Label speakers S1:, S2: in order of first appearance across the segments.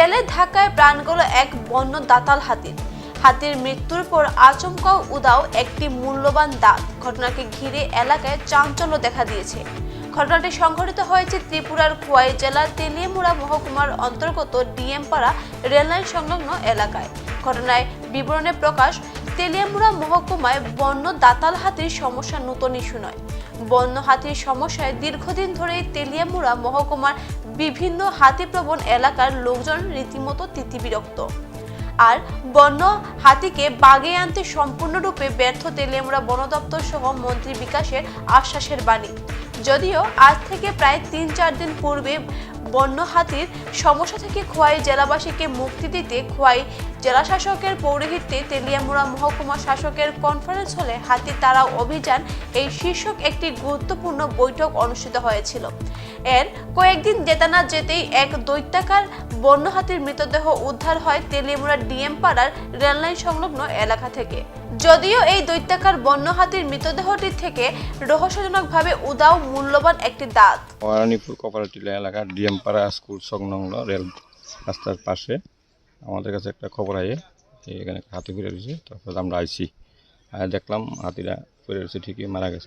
S1: রেলের ধাক্কায় প্রাণ গেল এক বন্য দাতাল হাতির। হাতির মৃত্যুর পর আচমকা উধাও একটি মূল্যবান দাঁত। ঘটনাকে ঘিরে এলাকায় চাঞ্চল্য দেখা দিয়েছে। ঘটনাটি সংঘটিত হয়েছে ত্রিপুরার খোয়াই জেলার তেলিয়ামুড়া মহকুমার অন্তর্গত ডিএমপাড়া রেললাইন সংলগ্ন এলাকায়। ঘটনায় বিবরণে প্রকাশ, তেলিয়ামুড়া মহকুমায় বন্য দাতাল হাতির সমস্যা নতুন ইস্যু নয়। বন্য হাতির সমস্যায় দীর্ঘদিন ধরেই তেলিয়ামুড়া মহকুমার বিভিন্ন হাতিপ্রবণ এলাকার লোকজন রীতিমতো তিতিবিরক্ত। আর বন্য হাতিকে বাগিয়ে আনতে সম্পূর্ণরূপে ব্যর্থ তেলিয়ামুড়া বন দপ্তর সহ মন্ত্রী বিকাশের আশ্বাসের বাণী। যদিও আজ থেকে প্রায় ৩-৪ দিন পূর্বে বন্য হাতির সমস্যা থেকে খোয়াই জেলাবাসীকে মুক্তি দিতে খোয়াই জেলাশাসকের পৌরোহিত্যে তেলিয়ামুড়া মহকুমা শাসকের কনফারেন্স হলে হাতি তাড়াও অভিযান এই শীর্ষক একটি গুরুত্বপূর্ণ বৈঠক অনুষ্ঠিত হয়েছিল। এর কয়েকদিন যেতে না যেতেই এক দৈত্যাকার বন্য হাতির মৃতদেহ উদ্ধার হয় তেলিয়ামুড়া ডিএম পাড়ার রেললাইন সংলগ্ন এলাকা থেকে। যদিও এই দৈত্যাকার বন্য হাতির মৃতদেহটি থেকে রহস্যজনকভাবে উধাও মূল্যবান একটি দাঁত।
S2: ওয়ারানিপুর কোপারেটিভ এলাকার ডিএমপাড়া স্কুল সংলগ্ন রেল রাস্তার পাশে আমাদের কাছে একটা খবর আয়ে এখানে হাতি ফিরে রয়েছে। তারপর আমরা আইছি, দেখলাম হাতিরা ফিরে রয়েছে, ঠিকই মারা গেছে।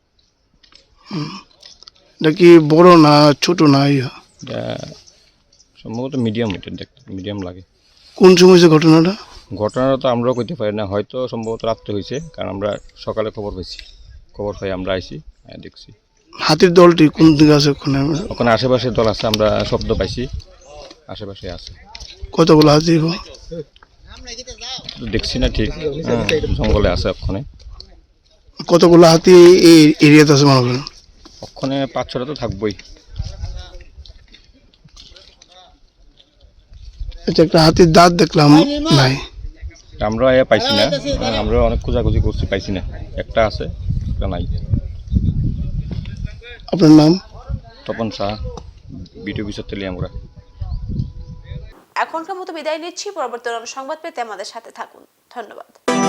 S3: এটা কি বড় না ছোট না?
S2: এটা সম্ভবত মিডিয়াম, এটা দেখতে মিডিয়াম লাগে।
S3: কোন সময় হয়েছে ঘটনাটা?
S2: ঘটনাটা তো আমরাও করতে পারি না, হয়তো সম্ভবত রাত্রে হয়েছে, কারণ আমরা সকালে খবর পাই আমরা আইছি, দেখছি।
S3: হাতির দলটি কোন দিকে আছে?
S2: ওখানে আশেপাশে দল আছে, আমরা শব্দ পাইছি, আশেপাশে আছে।
S3: কতগুলো হাতি
S2: দেখছি না ঠিক, জঙ্গলে আছে ওখানে।
S3: কতগুলো হাতি এই এরিয়াতে আছে মনে করেন?
S2: ওখানে 5-6টা তো থাকবোই।
S3: এটা একটা হাতির দাঁত দেখলাম, নাই
S2: আমরা পাইছি না, আমরা অনেক খোঁজাখুঁজি করছি, পাইছি না। একটা আছে, একটা নাই।
S3: আপনার নাম?
S2: Tapan Shah, BDO officer Teliamura.
S1: এখনকার মতো বিদায় নিচ্ছি। পরবর্তী সংবাদ পেতে আমাদের সাথে থাকুন। ধন্যবাদ।